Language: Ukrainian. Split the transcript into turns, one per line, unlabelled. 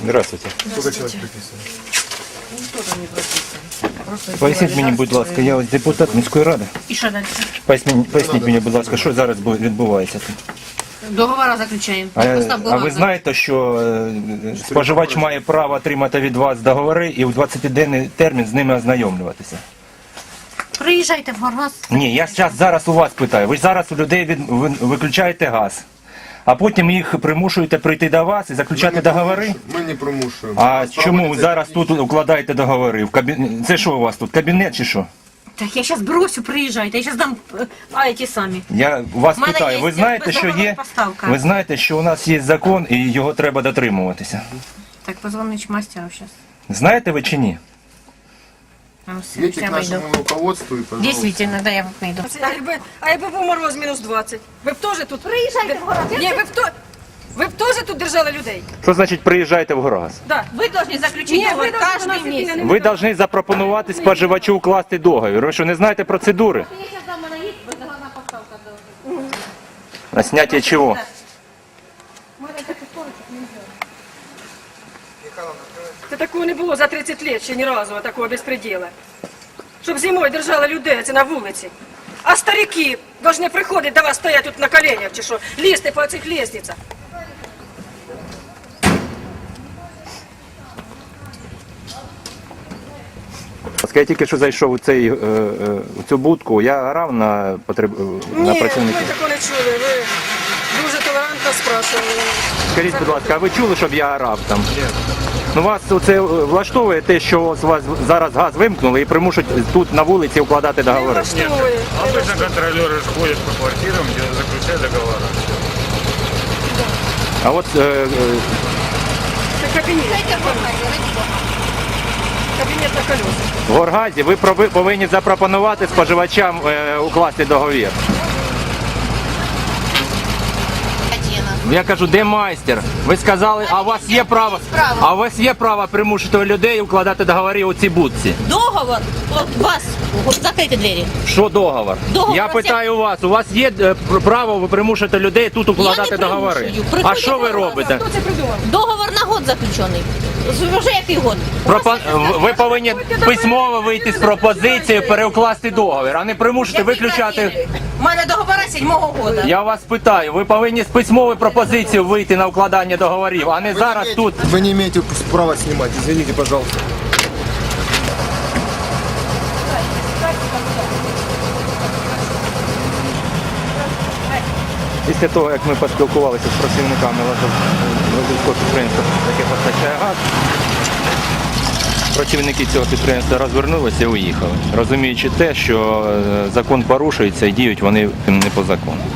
Здравствуйте.
Сколько человек приписано?
Никто там не прописан.
Поясніть мені, будь ласка, я ось депутат міської ради.
І що далі?
Поясніть мені, будь ласка, що зараз відбувається тут?
Договора заключаємо.
А ви знаєте, що споживач має право отримати від вас договори і в 20-денний термін з ними ознайомлюватися?
Приїжджайте в Горгаз.
Ні, я зараз у вас питаю. Ви зараз у людей виключаєте газ, а потім їх примушуєте прийти до вас і заключати договори?
Ми не примушуємо.
А чому ви зараз тут укладаєте договори? Це що у вас тут, кабінет чи що?
Так я зараз бросю, приїжджайте, я зараз дам ті самі.
Я вас
В мене
питаю,
є
ви знаєте, що
бездоганна
є?
поставка.
Ви знаєте, що у нас є закон і його треба дотримуватися.
Так, позвонить мастеру зараз.
Знаєте ви чи ні?
Идите к нашему руководству и, пожалуйста.
Дійсно, да, я вийду.
А якби був мороз мінус 20, ви б теж тут...
Приїжджайте в Горгаз.
Ні, ви б теж тут держали людей?
Що значить приїжджайте в Горгаз?
Да.
Ви повинні заключити
Ні,
договор
ви должны
кожен
нас
місяць.
іти
Ви повинні запропонувати споживачу укласти договір. Ви що, не знаєте процедури?
Я зараз дам мене їх, бездоганна поставка.
На зняття чого?
Це такого не було за 30 років ще ні разу, такого безпреділа. Щоб зимою держали людей, це на вулиці. А старики повинні приходити до вас стоять тут на коленях, чи що, лізти по цих лестницях.
Я тільки що зайшов у цю будку, я орав на
Ні,
працівників.
ми такого не чули, ви дуже толерантно спрашували.
Скажіть, будь ласка, а ви чули, щоб я орав там? Ні. Ну вас це влаштовує те, що у вас зараз газ вимкнули і примушують тут на вулиці укладати
Не
договори?
влаштовує.
Обычно контролеры же ходят по квартирам, где заключают договора.
А от
Це кабінет. Кабінет на колесах.
в Горгазі ви повинні запропонувати споживачам укласти договір. Я кажу, де майстер? Ви сказали, а у вас є право примусити людей укладати договори у цій будці?
Договор, вас, закрийте двері.
Що договор?
Договор
Я питаю у вас є право ви примушити людей тут укладати
не
договори?
примушую.
А
Приходять
що ви робите?
Хто це придумав?
Договор на год заключений. Вже який год?
Ви повинні письмово вийти з пропозицією переукласти договір, а не примусити виключати.
У мене договора 7-го года.
Я вас питаю, ви повинні з письмовою пропозицією вийти на укладання договорів, а не зараз тут.
Вы не имеете права снимать, извините, пожалуйста.
Після того, як ми поспілкувалися з працівниками Лазовського підприємства, яке постачає газ, працівники цього підприємства розвернулися і уїхали, розуміючи те, що закон порушується і діють вони не по закону.